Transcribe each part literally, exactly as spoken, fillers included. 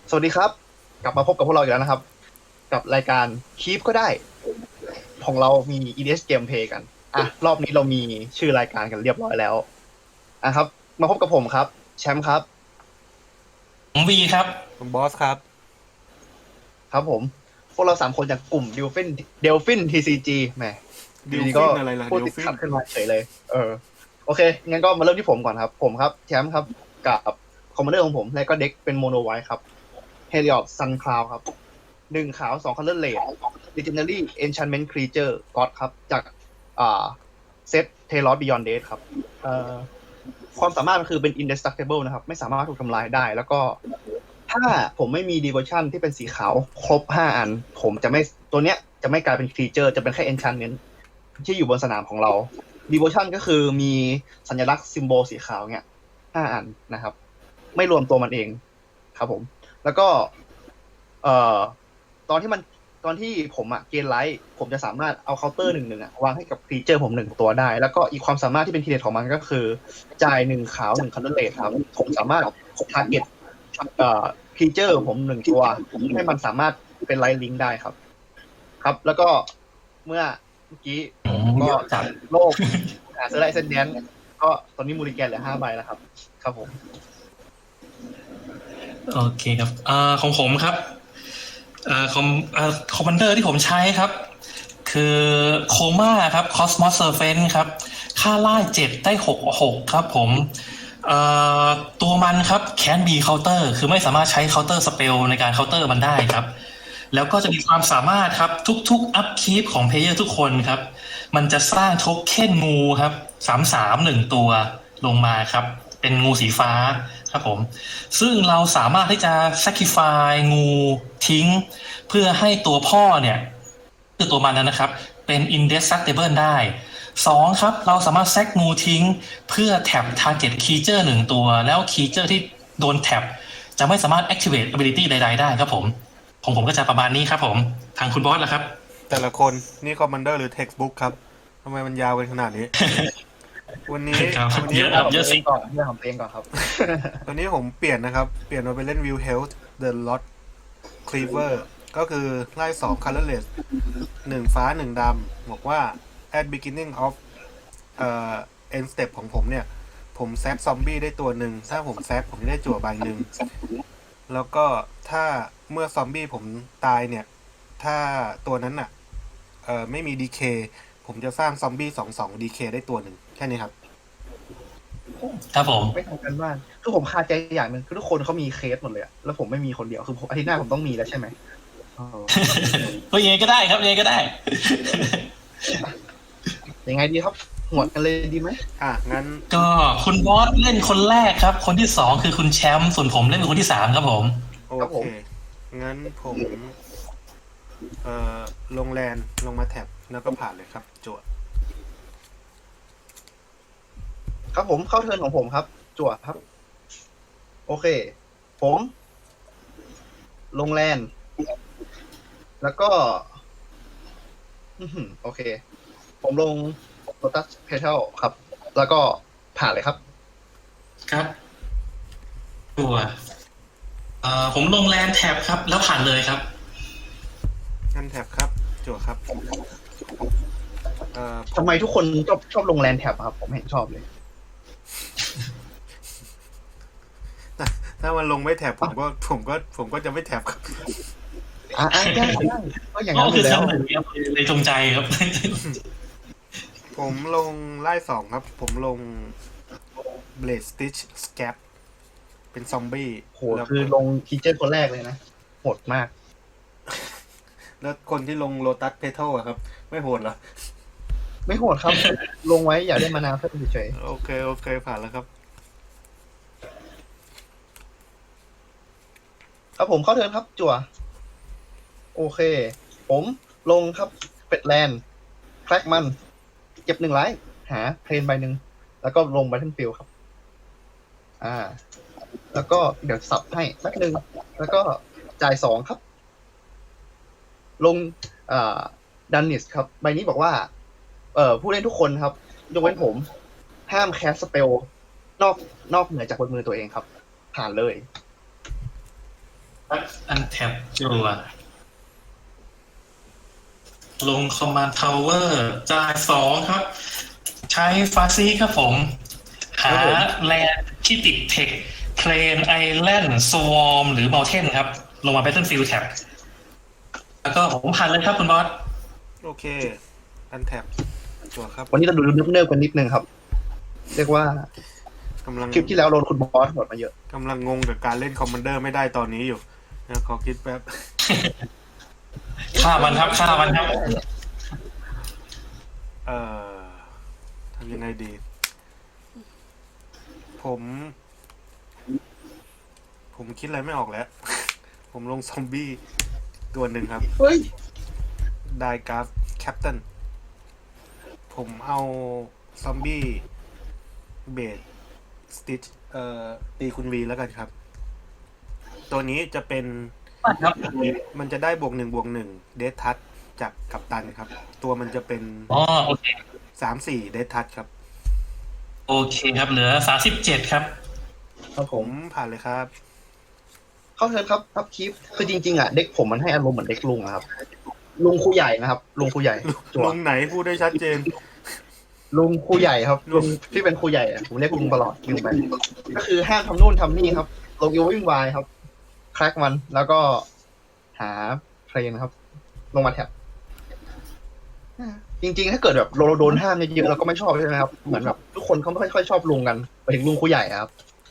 สวัสดีครับกลับมาพบกับพวกเราอีกแล้วนะครับกับรายการ Keep ก็ได้ของเรามี อี ดี เอส Gameplay กันอ่ะรอบนี้เรามีชื่อรายการกันเรียบร้อยแล้วอ่ะครับมาพบกับผมครับแชมป์ครับผมวีครับคุณบอสครับครับผมพวกเราสามคนจากกลุ่ม Delphin Delphin ที ซี จี แหมอดิลยู่ดีๆก็ฟินอะไรล่ะพูดดิลฟินติดขัดขึ้นมาเฉยเลยเออโอเคงั้นก็มาเริ่มที่ผมก่อนครับผมครับแชมป์ครับกับคอมมานเดอร์ของผมและก็เด็กเป็นโมโนไวท์ครับ Helios Sun Cloud ครับหนึ่งขาวสอง Color Red Legendary Enchantment Creature God ครับจากอ่าเซต Talos Beyond Death ครับเอ่อความสามารถมันคือเป็น indestructible นะครับไม่สามารถถูกทำลายได้ แล้วก็ถ้าผมไม่มี devotion ที่เป็นสีขาวครบห้าอัน ผมจะไม่ตัวเนี้ยจะไม่กลายเป็น creature จะเป็นแค่ enchantment ที่อยู่บนสนามของเรา devotion ก็คือมีสัญลักษณ์ symbol สีขาวเนี้ยห้าอันนะครับ ไม่รวมตัวมันเองครับผม แล้วก็ เอ่อ ตอนที่มันตอนที่ผมอะเกณฑ์ไลท์ผมจะสามารถเอาเคาน์เตอร์หนึ่งหนึ่งอะวางให้กับครีเจอร์ผมหนึ่งตัวได้ แล้วก็อีกความสามารถที่เป็นทีเด็ดของมันก็คือ จ่ายหนึ่งขาวหนึ่งคันเดเลทครับผมสามารถทาร์เก็ตเอ่อครีเจอร์ผมหนึ่งตัวให้มันสามารถเป็นไลท์ลิงก์ได้ครับ ครับ แล้วก็เมื่อเมื่อกี้ผมก็จัดโลกหาเซอร์ไลท์เซนเดนก็ตอนนี้มูริแกนเหลือห้าใบแล้วครับ ครับผมโอเคครับอ่าของผมครับอ่าคอมอ่าคอมมานเดอร์ที่ผมใช้ครับ คือโคม่าครับคอสมอสเซอร์เฟนครับค่าล่าเจ็ดได้หกหกครับผมเอ่อตัวมันครับแคนบีเคาน์เตอร์คือไม่สามารถใช้เคาน์เตอร์สเปลในการเคาน์เตอร์มันได้ครับ แล้วก็จะมีความสามารถครับทุกๆอัพคีปของเพลเยอร์ทุกคนครับ มันจะสร้างโทเค็นงูครับสามสามหนึ่งตัวลงมาครับ เป็นงูสีฟ้าครับผม ซึ่งเราสามารถที่จะ sacrifice งูทิ้ง เพื่อให้ตัวพ่อเนี่ยคือตัวมันนั้นนะครับ เป็น indestructible ได้สองครับ เราสามารถแซกงูทิ้ง เพื่อแท็บ target creature หนึ่งตัว แล้ว creature ที่โดนแท็บจะไม่สามารถ activate ability ใดๆได้ครับผมของผมก็จะประมาณนี้ครับผม ทางคุณบอสล่ะครับแต่ละคนนี่คอมมานเดอร์หรือเท็กซ์บุ๊กครับทำไมมันยาวกันขนาดนี้ วันนี้ครับวันนี้เยอะผครับมเยอะสิก่อนเรื่องของตัวเองก่อนครับวันนี้ผมเปลี่ยนนะครับ เปลี่ยนมาเป็นเล่น Will Health The Lot Cleaver ก็คือไล่สอง colorless หนึ่งฟ้าหนึ่งดำบอกว่า at beginning of เอ่อ end step ของผมเนี่ย ผมแซกซอมบี้ได้ตัวหนึ่งถ้าผมแซกผมจะได้จั่วใบหนึ่งแล้วก็ถ้าเมื่อซอมบี้ผมตายเนี่ย ถ้าตัวนั้นน่ะเอ่อไม่มี ดี เค ผมจะสร้างซอมบี้สองสอง ดี เค ได้ตัวหนึ่งแค่นี้ครับครับผมไม่ทำกันบ้านคือผมคาใจอย่างหนึ่งคือทุกคนเขามีเคสหมดเลยอะแล้วผมไม่มีคนเดียวคือผมอาทิตย์หน้าผมต้องมีแล้วใช่ไหมอ๋อก็ยังไงก็ได้ครับยังไงก็ได้ยังไงดีครับหวดกันเลยดีไหมอ่ะ งั้นก็คุณบอสเล่นคนแรกครับ คนที่สองคือคุณแชมป์ส่วนผมเล่นเป็นคนที่สามครับผมโอเค งั้นผม เอ่อ ลงแลนลงมาแท็บแล้วก็ผ่านเลยครับจั่วครับผมเข้าเทิร์นของผมครับ จั่วครับ โอเค ผมลงแลนแล้วก็อื้อหือโอเค ผมลงโ o ตัสเพเทลครับ แล้วก็ผ่านเลยครับครับตัวเอ่อผมลงแลนแท็บครับ แล้วผ่านเลยครับงั้นแท็บครับ จั่วครับ เอ่อทำไมทุกคนชอบชอบลงแลนแท็บครับ ผมเห็นชอบเลยถ้ามันลงไม่แท็บผมก็ผมก็ผมก็จะไม่แท็บครับอ่าได้ได้ก็อย่างก็นั้นอคือยู่แล้วซ้ำหนึ่งครับเลยจงใจครับผมลงไล่สองครับ ผมลง Blade Stitch Scab เป็นซอมบี้โหคือลงทีเจอร์คนแรกเลยนะโหดมากแล้วคนที่ลง Lotus Petal อะครับ ไม่โหดเหรอไม่โหดครับ ลงไว้อยากได้มานาวเพิ่มเฉยโอเค โอเค ผ่านแล้วครับๆครับผมเข้าเทิร์นครับ จั่ว โอเค ผมลงครับเป็ดแลนด์แคร็กมัน เก็บหนึ่งไลท์หาเพลนใบหนึ่งแล้วก็ลงบัตเทิลฟิลครับ อ่า แล้วก็เดี๋ยวสับให้แป๊บหนึ่งแล้วก็จ่ายสองครับ ลงอ่าดันนิสครับ ใบนี้บอกว่า เอ่อผู้เล่นทุกคนครับยกเว้นผม ห้ามแคสสเปลนอกนอกเหนือจากบนมือตัวเองครับ ผ่านเลยอันแท็บจัวลงคอมมานด์ทาวเวอร์จ่ายสองครับ ใช้ฟาซีครับผม หาแลนด์ที่ติดเทคเพลนไอแลนด์สวอมหรือ m ม u เทนครับ ลงมา Battlefield Tab แล้วก็ผมผ่านเลยครับคุณบอสโอเค อันแท็บจั่วครับวันนี้เราดูเนิบๆกันนิดนึงครับ เรียกว่ากำลังคลิปที่แล้วโดนคุณบอสหมดมาเยอะกำลังงงกับการเล่นคอมมานเดอร์ไม่ได้ตอนนี้อยู่นะขอคิดแป๊บฆ่ามันครับฆ่ามันครับเอ่อทำยังไงดี ผม ผมคิดอะไรไม่ออกแล้ว ผมลงซอมบี้ตัวหนึ่งครับเฮ้ยไดกราฟแคปตันผมเอาซอมบี้เบดสติชเอ่อตีคุณวีแล้วกันครับ ตัวนี้จะเป็นครับมันจะได้บวกหนึ่งบวกหนึ่งเดททัชจากกัปตันครับ ตัวมันจะเป็นอ๋อโอเคสามสี่เดททัชครับโอเคครับ เหลือสามสิบเจ็ดครับครับผผม มผ่านเลยครับเข้าเชิญครับครับคลิปคือจริงๆอ่ะเด็กผมมันให้อารมณ์เหมือนเด็กลุงอะครับ ลุงครูใหญ่นะครับ ลุงครูใหญ่จั่วลงไหนพูดได้ชัดเจนลุงครูใหญ่ครับลุงที่เป็นครูใหญ่อะผมเรียกลุงตลอดลุงไปก็คือห้ามทำนู่นทำนี่ครับลงยูวิ่งวายครับแคร็กมันแล้วก็หาเพลนครับ ลงมาแท็บจริงๆ ถ้าเกิดแบบเราโดนห้ามเยอะๆเราก็ไม่ชอบใช่ไหมครับเหมือนแบบทุกคนเขาไม่ค่อยชอบลุงกันไปถึงลุงครูใหญ่อะครับ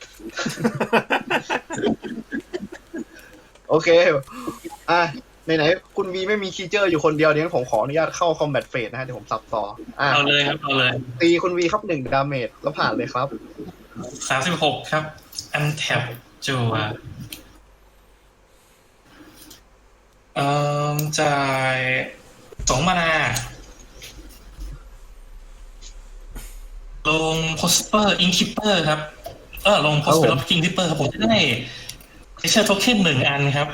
โอเค อ่ะไหนๆคุณวีไม่มีคีเจอร์อยู่คนเดียวเดี๋ยวผมขออนุญาตเข้าคอมแบทเฟสนะฮะเดี๋ยวผมสับต่ออ่ะเอาเลยครับเอาเลยตีคุณวีครับหนึ่งดาเมจแล้วผ่านเลยครับสามสิบหกครับ อันแท็บจัวเอ่อจ่ายสองมานา ลงโพสเปอร์อินคิปเปอร์ครับ เออลงโพสเปอร์อินคิปเปอร์ครับผมจะได้เทเชอร์โทเค็นหนึ่งอันครับ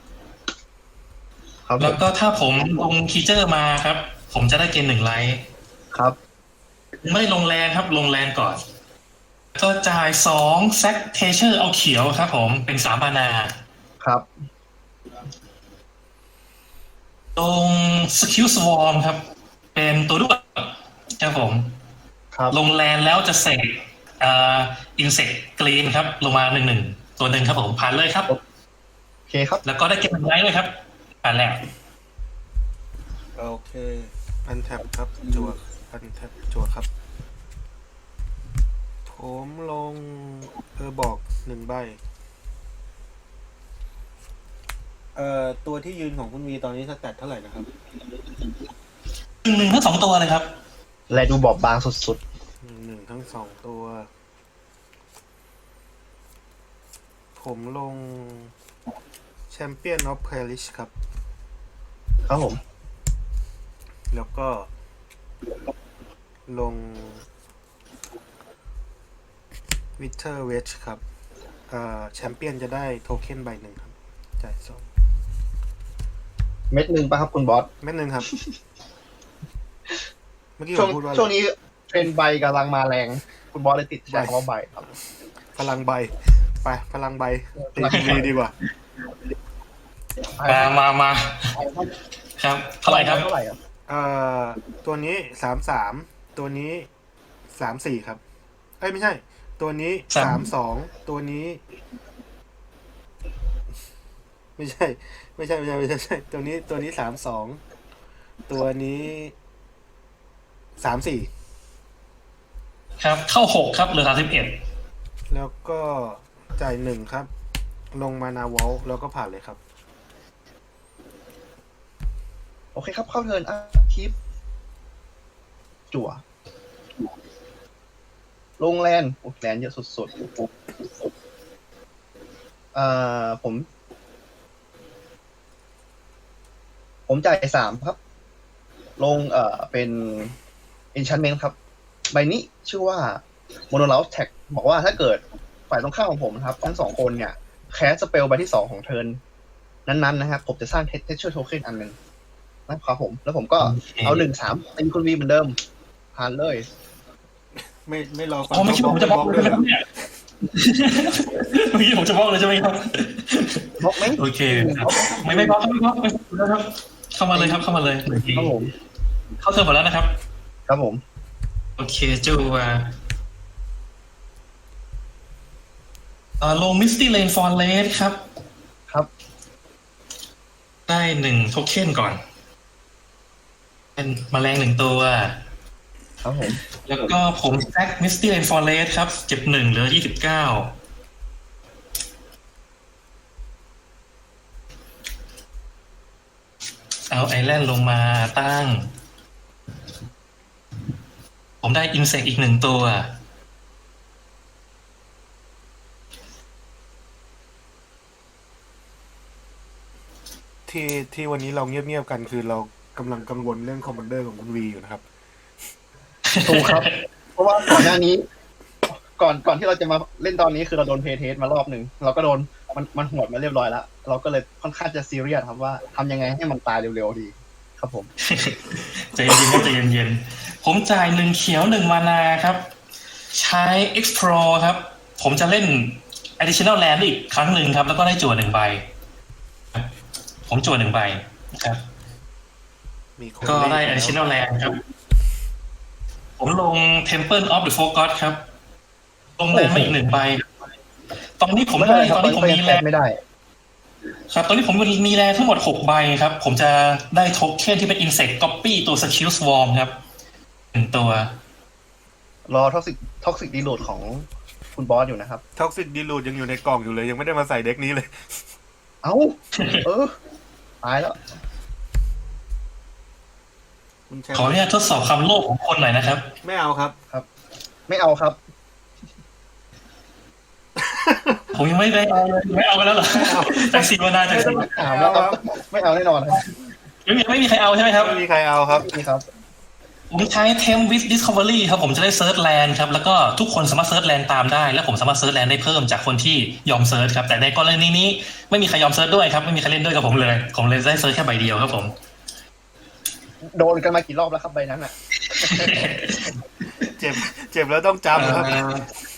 ครับผแล้วมก็ถ้าผมลงคีเจอร์มาครับ ผมจะได้เกณฑ์หนึ่งไลท์ครับไม่ลงแลนครับ ลงแลนก่อน ก็จ่ายสองแซกเทเชอร์เอาเขียวครับผมเป็นสามมานาครับลงสกิลสวอร์มครับ เป็นตัวด้วยครับผมครับลงแลนแล้วจะเสกอ่าอินเสกกรีนครับ ลงมาหนึ่งหนึ่งตัวหนึ่งครับผมผ่านเลยครับโอเคครับแล้วก็ได้เก็บมันไว้ด้วยครับผ่านแล้วโอเค อันแท็บครับจั่วอันแท็บจั่วครับ ผมลงเออบอกหนึ่งใบ เอ่อ ตัวที่ยืนของคุณวีตอนนี้สแตทเท่าไหร่นะครับหนึ่งหนึ่งทั้งสองตัวเลยครับและดูบอบบางสุดหนึ่งหนึ่งทั้งสองตัว ผมลงแชมเปี้ยนออฟเพลิชครับๆ ครับผมแล้วก็ลงวิเทอร์เวชครับเอ่อแชมเปี้ยนจะได้โทเค็นใบหนึ่งครับ จ่ายสองเม็ดหนึ่งป่ะครับคุณบอสเม็ดหนึ่งครับ เมื่อกี้ผช่วงมพูดว่าอะไรช่วงนี้เทรนด์ใบกำลังมาแรง คุณบอสเลยติดใช้คำว่าใบครับพลังใบ ไป พลังใบตีทีวีดีกว่ามามามาครับเท่าไหร่ครับเท่าไหร่ครับเอ่อ ตัวนี้สามสาม ตัวนี้สามสี่ครับ เอ้ยไม่ใช่ ตัวนี้สาสาม มสอง ตัวนี้ ไม่ใช่ ไม่ใช่ ไม่ใช่ ไม่ใช่ไม่ใช่ ตัวนี้ ตัวนี้สามสอง ตัวนี้สามสี่ครับ เข้าหกครับเหลือสามสิบเอ็ดแล้วก็จ่ายหนึ่งครับ ลงมานาวอลแล้วก็ผ่านเลยครับโอเคครับ เข้าเทิร์นอัพคลิป จั่ว ลงแลนโอ้แลนเยอะสุดๆ เอ่อ ผม ผมจ่ายสามครับ ลงเอ่อเป็น enchantment ครับ ใบนี้ชื่อว่า Monohouse Tag บอกว่าถ้าเกิดฝ่ายตรงข้ามของผมนะครับ ทั้งสองคนเนี่ย แคสสเปลใบที่สองของเทิร์นนั้นๆนะครับ ผมจะสร้าง texture token อันหนึ่งนะครับผม แล้วผมก็เอาหนึ่งสามตีคุณวีเหมือนเดิมผ่านเลยไม่ไม่รอฟังผมไม่คิดว่าผมจะบล็อกเลยเลยนะครับเนี่ยเมื่อกี้ผมจะบล็อกเลยใช่ไหมครับบล็อกไหมโอเคครับไม่ไม่บล็อกไม่บล็อกไม่บล็อกครับเข้ามาเลยครับเข้ามาเลยครับผมเข้าเทิร์นหมดแล้วนะครับครับผมโอเคจูว่าเอ่อลงมิสตี้เลนฟอนเลสครับครับได้หนึ่งโทเค็นก่อน เป็นแมลงหนึ่งตัวครับผมแล้วก็ผมแซกมิสตี้เลนฟอนเลสครับเจ็บหนึ่งเหลือยี่สิบเก้าเอาไอแลนด์ลงมาตั้ง ผมได้อินเสกอีกหนึ่งตัวที่ที่วันนี้เราเงียบๆกันคือเรากำลังกังวลเรื่องคอมมานเดอร์ของคุณวีอยู่นะครับถูกครับ เพราะว่าก่อนหน้านี้ ก่อนก่อนที่เราจะมาเล่นตอนนี้คือเราโดนเพย์เทสมารอบหนึ่งเราก็โดนมันมันหวดมาเรียบร้อยแล้วเราก็เลยค่อนข้างจะซีเรียสครับว่าทำยังไงให้มันตายเร็วๆดี ครับผมใจเย็นๆใจเย็นๆผมจ่ายหนึ่งเขียวหนึ่งมานาครับ ใช้ explore ครับ ผมจะเล่น additional land อีกครั้งหนึ่งครับ แล้วก็ได้จั่วหนึ่งใบ ผมจั่วหนึ่งใบครับมีคนก็ได้เล่นแล้ว additional land ครับ ผมลง temple of the forgot ครับ ลงแลนด์มาอีกหนึ่งใบ ตอนนี้ผมไม่ได้ได้ครับตอนนี้ผมก็ยัมีงแลแตะนด์ไม่ได้ครับ ตอนนี้ผมมีแลนด์ทั้งหมดหกใบครับ ผมจะได้โทเค็นที่เป็น insect copy ตัว skill swarm ครับหนึ่งตัวรอท็อกซิกท็อกซิกดีโหลดของคุณบอสอยู่นะครับท็อกซิกดีลูดยังอยู่ในกล่องอยู่เลย ยังไม่ได้มาใส่เด็กนี้เลยเอ้า เออ ตายแล้วคุณแชมขออนุป์ญาตทดสอบความโลภของคนหน่อยนะครับไม่เอาครับไม่เอาครับผมยังไม่ได้เอาเลยไม่เอาไปแล้วเหรอจากสี่มานาจากสี่ถามแล้วครับ ไม่เอาแน่นอนครับไม่มีไม่มีใครเอาใช่ไหมครับไม่มีใครเอาครับนี่ครับผมใช้ Temp with Discovery ครับผมจะได้เซิร์ชแลนด์ครับแล้วก็ทุกคนสามารถเซิร์ชแลนด์ตามได้และผมสามารถเซิร์ชแลนด์ได้เพิ่มจากคนที่ยอมเซิร์ชครับแต่ในกรณีนี้ไม่มีใครยอมเซิร์ชด้วยครับไม่มีใครเล่นด้วยกับผมเลยผมเลยได้เซิร์ชแค่ใบเดียวครับผมโดนกันมากี่รอบแล้วครับใบนั้นอ่ะเจ็บ เจ็บแล้วต้องจำครับเอ่อ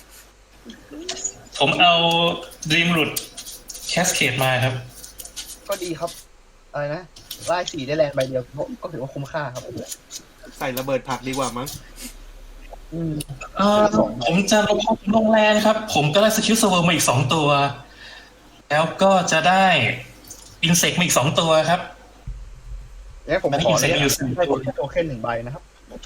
ผมเอา Dream Root Cascade มาครับก็ดีครับ อะไรนะไล่สี่ได้แลนด์ใบเดียวก็ก็ถือว่าคุ้มค่าครับใส่ระเบิดผักดีกว่ามั้งอืมเอ่อผมจะลงลงแลนด์ครับ ผมก็ได้สกิลเซอร์เวอร์มาอีกสองตัว แล้วก็จะได้อินเสกมาอีกสองตัวครับงั้นผมขอไม่เนี่ยมีเซ็นต์ให้โทเค็นหนึ่งใบนะครับ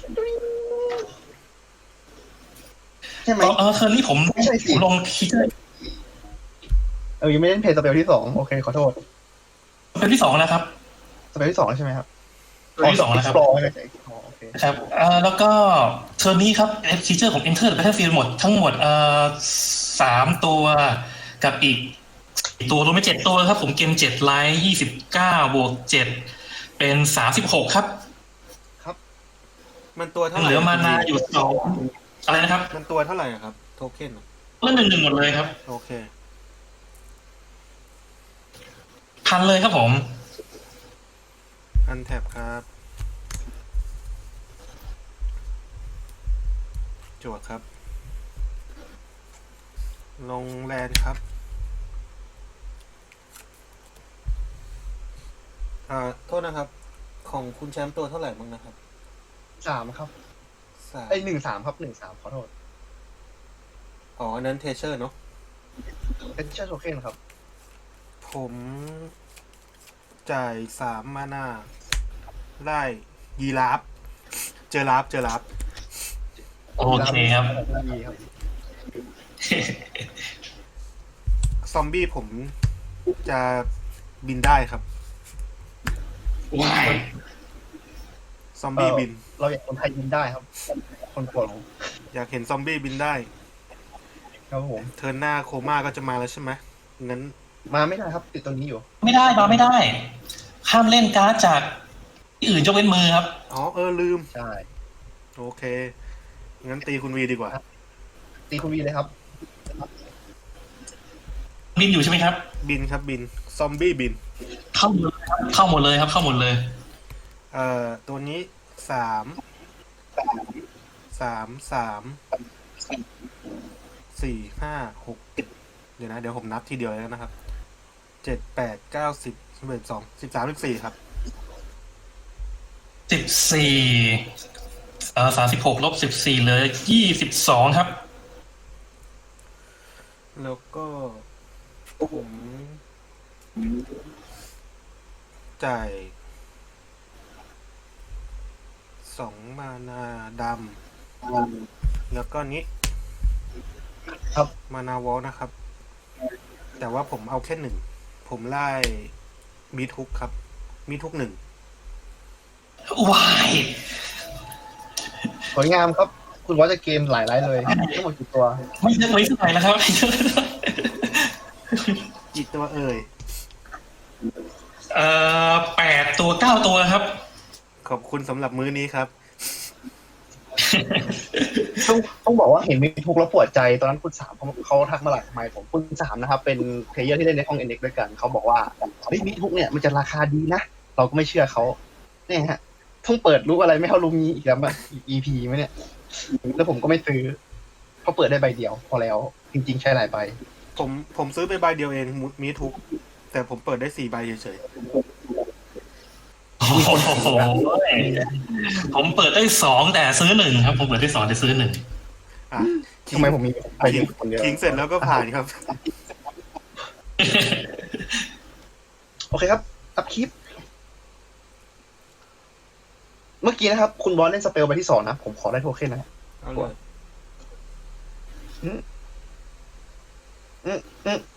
ใช่ไหมเออเออเทอร์นี้ผมไม่ใช่สิผมลงคิกเกอร์เออยังไม่เล่นเพย์สเปลที่สองโอเคขอโทษเป็นที่สองแล้วครับสเปลที่สองแล้วใช่ไหมครับเป็นที่สองแล้วครับ Explore ไม่ใช่อ๋อโอเคครับเอ่อแล้วก็เทอร์นี้ครับฟีเจอร์ของ Enter the Battlefield หมดทั้งหมดเอ่อสามตัวกับอีกสี่ตัวรวมเป็นเจ็ดตัวครับ ผมเกมเจ็ดไลท์ยี่สิบเก้าบวกเจ็ดเป็นสามสิบหกครับมันตัวเท่าไหร่เหลือมานาอยู่สองอะไรนะครับมันตัวเท่าไหร่อะครับ โทเค็นอะเล่นหนึ่งหนึ่งหมดเลยครับโอเคพันเลยครับผมอันแท็บครับ จวดครับ ลงแลนด์ครับอ่าโทษนะครับ ของคุณแชมป์ตัวเท่าไหร่บ้างนะครับสามครับสามไอยหนึ่งสามครับหนึ่งสามขอโทษอ๋ออันนั้นเทเชอร์เนาะเป็นเชื่อโทเค็นครับผมจ่ายสามมานาได้ยีราฟเจอราฟเจอราฟโอเคครับดีครับซอมบี้ผมจะบินได้ครับว้ายซอมบี้บินเราอยากคนไทยยินได้ครับ คนโปรดของอยากเห็นซอมบี้บินได้ครับผมเทิร์นหน้าโคม่าก็จะมาแล้วใช่ไหมงั้นมาไม่ได้ครับ ติดตัวนี้อยู่ไม่ได้มาไม่ได้ ห้ามเล่นการ์ดจากที่อื่นยกเว้นมือครับอ๋อเออลืมใช่โอเค งั้นตีคุณวีดีกว่าตีคุณวีเลยครับบินอยู่ใช่ไหมครับบินครับบิน ซอมบี้บินเข้าหมดเลยครับเข้าหมดเลยครับ เข้าหมดเลยเอ่อ ตัวนี้สามสามสามสี่ห้าหกเดี๋ยวนะ เดี๋ยวผมนับทีเดียวเลยนะครับเจ็ดแปดเก้าสิบสิบเอ็ดสองสิบสามสิบสี่ครับสิบสี่เอ่อสามสิบหกลบสิบสี่เหลือยี่สิบสองครับแล้วก็ผมจ่ายสองมานาดำแล้วก็นี้ครับมานาวอลนะครับ แต่ว่าผมเอาแค่หนึ่ง ผมไล่มีทุกครับ มีทุกหนึ่งวายสวยงามครับ คุณวอชจะเกมหลายไลท์เลยทั้งหมดกี่ตัวไม่เยอะไม่เท่าไหร่แล้วครับกี่ตัวเอ่ยเอ่อแปดตัวเก้าตัวครับขอบคุณสำหรับมื้อนี้ครับต้องต้องบอกว่าเห็นมีทุกข์แล้วปวดใจตอนนั้นคุณสามเขาเขาทักมาหลายสมัยผมคุณสามนะครับ เป็นเพลเยอร์ที่เล่นในห้องเอ็นเอ็กด้วยกันเขาบอกว่าเฮ้ยมีทุกข์เนี่ยมันจะราคาดีนะเราก็ไม่เชื่อเขาเนี่ยฮะต้องเปิดรู้อะไรไม่เท่ารู้งี้อีกแล้วอ่ะอีก อี พี ไหมเนี่ยแล้วผมก็ไม่ซื้อเพราะเปิดได้ใบเดียว พอแล้วจริงๆใช้หลายใบผมผมซื้อไปใบเดียวเองมุมีทุก แต่ผมเปิดได้สี่ใบเฉยโอ้โหผมเปิดได้สองแต่ซื้อหนึ่งครับ ผมเปิดได้สองแต่ซื้อหนึ่งๆอ่ะทำไมผมมีใบทิ้เดีงยวคนเดียวทิ้งเสร็จแล้วก็ผ่านครับโอเคครับอัพคลิป เมื่อกี้นะครับ คุณบอลเล่นสเปลใบที่สองนะผมขอได้โทเค็นนะเอาเลยอืมอืมอืม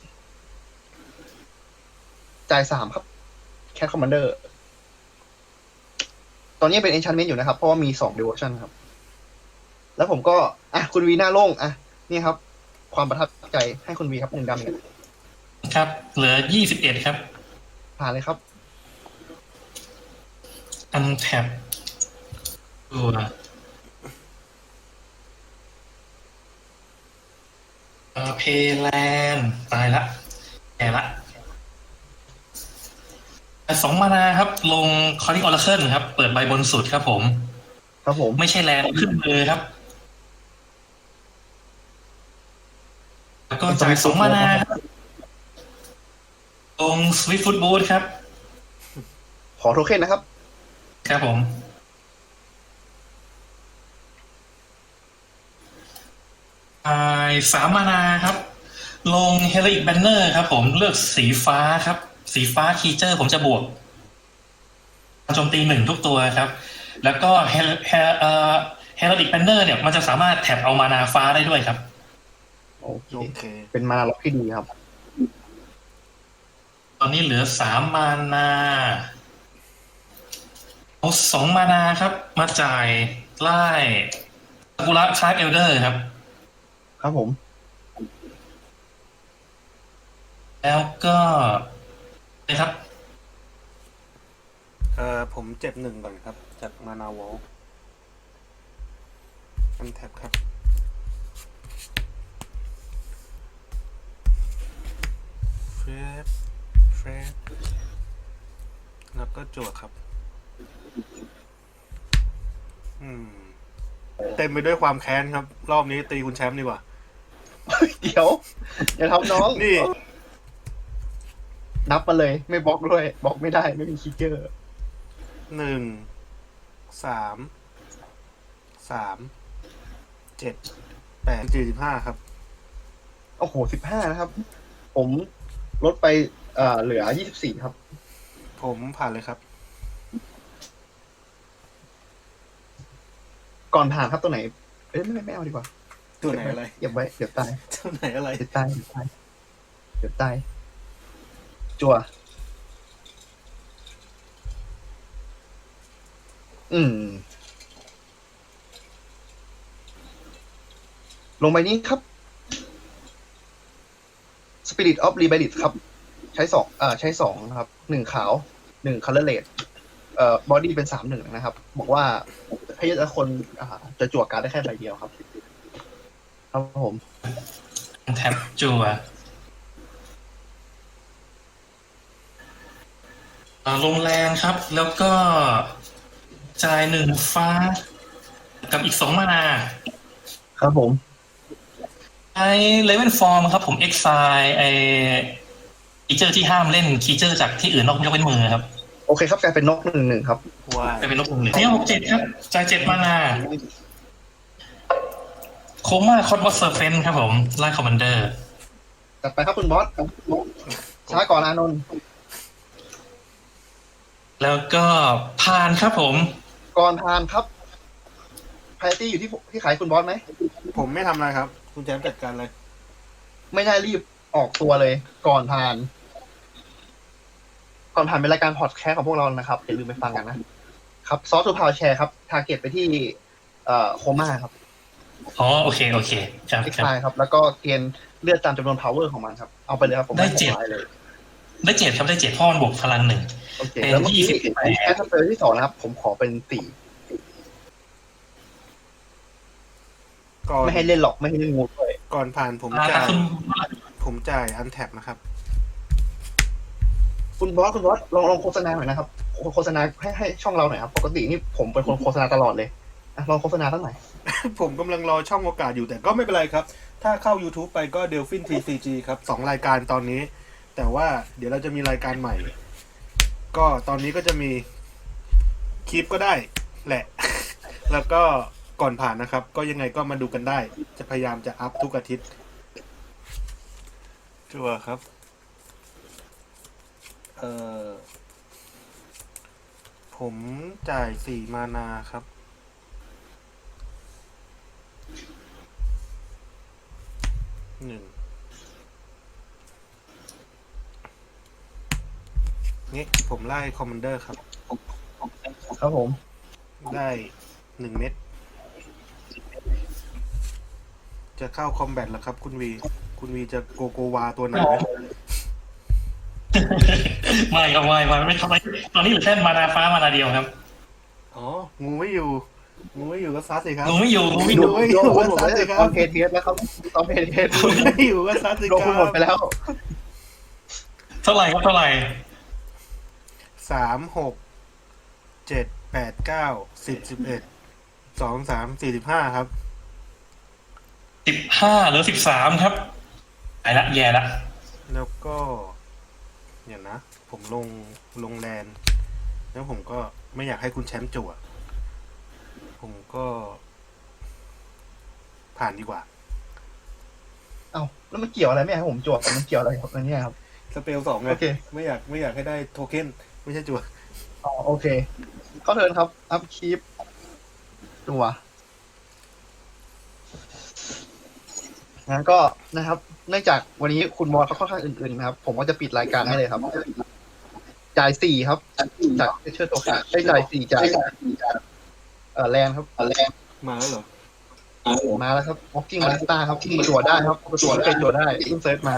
จ่ายสามครับแคทคอมมานเดอร์ตอนนี้เป็น enchantment อยู่นะครับ เพราะว่ามีสอง devotion ครับ แล้วผมก็ อ่ะ คุณวีหน้าโล่ง อ่ะ นี่ครับ ความประทับใจให้คุณวีครับหนึ่งดำเนี่ยครับ เหลือยี่สิบเอ็ดครับผ่านเลยครับอันแท็บตัวเอ่อเพแลนตายละแย่ละสองมานาครับ ลงคอร์ดิออร์เคิลครับ เปิดใบบนสุดครับผมครับผมไม่ใช่แลนขึ้นมือครับ แล้วก็จ่ายสองมานาครับลงสวิฟฟุตบูทครับขอโทเค็นนะครับครับผมจ่ายสามมานาครับ ลงเฮลิกแบนเนอร์ครับผมเลือกสีฟ้าครับ สีฟ้าคีเจอร์ผมจะบวกโจมตีหนึ่งทุกตัวครับ แล้วก็เฮลเฮลเอ่อเฮลิกแบนเนอร์เนี่ยมันจะสามารถแท็บเอามานาฟ้าได้ด้วยครับโอเคโอเคเป็นมานาล็อกที่ดีครับตอนนี้เหลือสามมานาเอาสองมานาครับ มาจ่ายไล่ซากุระคลาสเอลเดอร์ครับครับผมแล้วก็นะครับเอ่อผมเจ็บหนึ่งก่อนครับ จากมานาวอลอันแท็บครับ เฟรดเฟรดแล้วก็จั่วครับ อืม เต็มไปด้วยความแค้นครับ รอบนี้ตีคุณแชมป์ดีกว่าเดี๋ยว อย่าทำน้องนี่นับมาเลย ไม่บล็อกด้วยบล็อกไม่ได้ไม่มีคิกเกอร์หนึ่ง สาม สาม เจ็ด แปดสี่สิบห้าครับโอ้โหสิบห้านะครับ ผมลดไปเอ่อเหลือยี่สิบสี่ครับผมผ่านเลยครับก่อนผ่านครับตัวไหน เอ้ยไม่ไม่ไม่เอาดีกว่าตัวไหนอะไรเก็บไว้เดี๋ยวตายตัวไหนอะไรเดี๋ยวตายเดี๋ยวตายเดี๋ยวตายจั่วอืม ลงไปนี้ครับ Spirit of Rebellion ครับ ใช้สองเอ่อใช้สองนะครับ หนึ่งขาว หนึ่ง color red เอ่อ body เป็นสามหนึ่งนะครับ บอกว่าให้แต่ละคนอ่าจะจั่วการ์ดได้แค่ใบเดียวครับ ครับผมแท็บจัวอ่าลงแรงครับ แล้วก็จ่ายหนึ่งฟ้า กับอีกสองมานาครับผมใช้เลเวลฟอร์มครับผมเอ็กไซไอคีเจอร์ที่ห้ามเล่นคีเจอร์จากที่อื่นนอกยกเว้นมือครับโอเคครับกลายเป็นนกหนึ่งหนึ่งครับว้ายจะเป็นนกหนึ่งหนึ่งเนี่ยหกเจ็ดครับจ่ายเจ็ดมานาโคม่าคอสบอสเซอร์เฟนครับผมไล่คอมมานเดอร์จัดไปครับคุณบอสช้าก่อนอานนท์แล้วก็ผ่านครับผมก่อนทานครับไพตี้อยู่ที่ที่ขายคุณบอสไหมผมไม่ทำอะไรครับ คุณแจมจัดการเลยไม่ได้รีบออกตัวเลย ก่อนทาน ก่อนผ่านเป็นรายการพอดแคสต์ของพวกเรานะครับอย่าลืมไปฟังกันนะครับซอสทูพาวแชร์ครับทาร์เก็ตไปที่เอ่อโคม่าครับอ๋อโอเคโอเคครับคลิกครับไครับ แล้วก็เกณฑ์เลือดตามจำนวน power ของมันครับ เอาไปเลยครับผมได้เจ็ดม่ให้เลยได้เจ็ดครับได้เจ็ดพ่อมันบวกพลังหนึ่งโอเคเป็นแล้วเมื่อกี้ยี่สิบแปดแคสเปอร์ที่สองนะครับ ผมขอเป็นสี่ก่อนไม่ให้เล่นหรอกไม่ให้เล่นงูด้วยก่อนผ่านผมอ่าจ่ายคุณผมจ่ายอันแท็บนะครับคุณบอสคุณบอสลองลองโฆษณาหน่อยนะครับโฆษณาให้ให้ช่องเราหน่อยครับปกตินี่ผมเป็นคนโฆษณาตลอดเลยอ่ะลองโฆษณาสักหน่อยผมกำลังรอช่องโอกาสอยู่แต่ก็ไม่เป็นไรครับ ถ้าเข้า YouTube ไปก็ Delphin ที ซี จี ครับสองรายการตอนนี้ แต่ว่าเดี๋ยวเราจะมีรายการใหม่ ก็ตอนนี้ก็จะมีคลิปก็ได้แหละ แล้วก็ก่อนผ่านนะครับ ก็ยังไงก็มาดูกันได้ จะพยายามจะอัพทุกอาทิตย์ชัวร์ครับ เอ่อ ผมจ่ายสี่มานาครับ หนึ่งนี่ผมไล่คอมมานเดอร์ครับครับผมได้หนึ่งเม็ด จะเข้าคอมแบทแล้วครับ คุณวี คุณวีจะโกโกวาตัวไหนไหมไม่ครับไม่ไม่ไม่ทำไมตอนนี้เหลือแค่มานาฟ้ามานาเดียวครับอ๋อ งูไม่อยู่ งูไม่อยู่ก็ซัดสิครับงูไม่อยู่งูไม่อดูยู่ไม่ดูอยู่คุณก็ผมซัดได้สิครัตอบ นเพจเทสแล้วครับตอนเพจเทสงูไม่อยู่ก็ซัดสิโดคนคุณหมดไปรับแล้วเท่าไหร่ครับเท่าไหร่สามหกเจ็ดแปดเก้าสิบสิบเอ็ดสองสามสี่สิบห้าครับสิบห้าหรือสิบสามครับไอ้ละแย่ละแล้วก็เดี๋ยวนะ ผมลงลงแลนด์แล้วผมก็ไม่อยากให้คุณแชมป์จั่ว ผมก็ผ่านดีกว่าเอ้าแล้วมันเกี่ยวอะไรไม่ให้ผมจวดมันเกี่ยวอะไรครับอันนี้ครับสเปลสองไงโอเคไม่อยากไม่อยากให้ได้โทเค็นไม่ใช่จั่วอ๋อโอเคเข้าเทิร์นครับ อัพคีปตัวงั้นก็นะครับ เนื่องจากวันนี้คุณบอสเขาค่อนข้างอื่นๆนะครับ ผมก็จะปิดรายการให้เลยครับ จ่ายสี่ครับ จากเชื่อตัวขาได้จ่ายสี่จ่ายเอ่อแลนครับแลนมาแล้วเหรอมาแล้วครับ Walking Ballista ครับที่ตรวจได้ครับตรวจเป็นตรวจได้เพิ่งเซิร์ชมา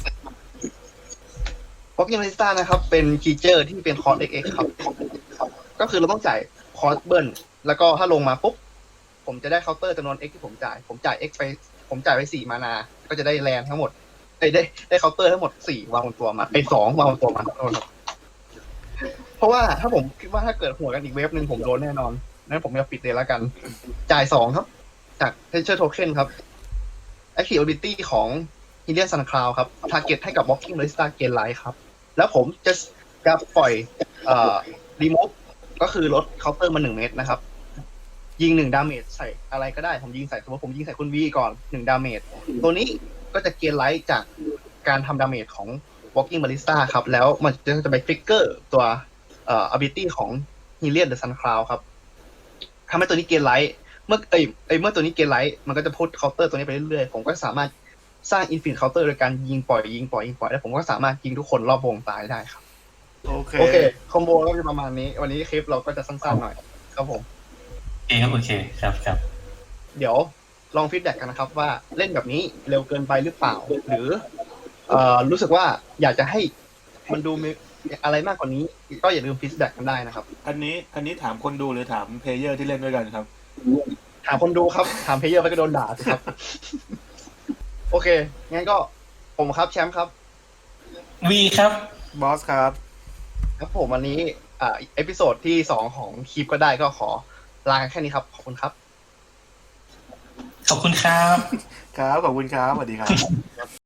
Walking Ballista นะครับ เป็นคีเจอร์ที่เป็นคอร์ส เอ็กซ์ เอ็กซ์ ครับ ก็คือเราต้องจ่ายคอร์สเบิร์นแล้วก็ถ้าลงมาปุ๊บ ผมจะได้เคาน์เตอร์จำนวน X ที่ผมจ่าย ผมจ่าย X ไป ผมจ่ายไปสี่มานา ก็จะได้แลนทั้งหมดได้ได้ได้เคาน์เตอร์ทั้งหมดสี่วางบนตัวมาไอ้สองวางบนตัวมาโทษครับเพราะว่าถ้าผมคิดว่าถ้าเกิดหัวกันอีกเวฟหนึ่งผมโดนแน่นอนนั้นผมจะปิดเลยแล้วกัน จ่ายสองครับ จาก Treasure Token ครับ Active Ability ของ Hylian Sun Cloud ครับ Target ให้กับ Walking Ballista Gain Life ครับ แล้วผมจะจะปล่อยเอ่อ Remove ก็คือลดเคาน์เตอร์มาหนึ่งเมตรนะครับ ยิงหนึ่งดาเมจใส่อะไรก็ได้ ผมยิงใส่สมมติผมยิงใส่คุณวีก่อนหนึ่งดาเมจตัวนี้ก็จะเกณฑ์ไลท์จากการทำดาเมจของ Walking Ballista ครับ แล้วมันจะจะไปทริกเกอร์ตัวเอ่อ ability ของ Hylian the Sun Cloud ครับทำให้ตัวนี้เกณฑ์ไลท์เมื่อเอ้ยเอ้ยเมื่อตัวนี้เกณฑ์ไลท์มันก็จะพุทเคาน์เตอร์ตัวนี้ไปเรื่อยๆผมก็สามารถสร้าง Infinite Counter โดยการยิงปล่อยยิงปล่อยยิงปล่อยแล้วผมก็สามารถยิงทุกคนรอบวงตายได้ครับโอเคโอเคคอมโบก็จะประมาณนี้ วันนี้คลิปเราก็จะสั้นๆหน่อยครับผมโอเคครับโอเคครับครับเดี๋ยวลองฟีดแบ็กกันนะครับว่าเล่นแบบนี้เร็วเกินไปหรือเปล่า หรือเอ่อรู้สึกว่าอยากจะให้มันดูมีอะไรมากกว่านี้ ก็อย่าลืมฟีดแบ็กกันได้นะครับอันนี้อันนี้ถามคนดูหรือถามเพลเยอร์ที่เล่นด้วยกันครับถามคนดูครับ ถามเพลเยอร์ไปก็โดนด่าสิครับ โอเค งั้นก็ผมครับแชมป์ครับวีครับบอสครับครับผมวันนี้อ่าเอพิโซดที่สองของคลิปก็ได้ก็ขอลากันแค่นี้ครับ ขอบคุณครับขอบคุณครับครับ ขอบคุณครับ สวัสดีครับ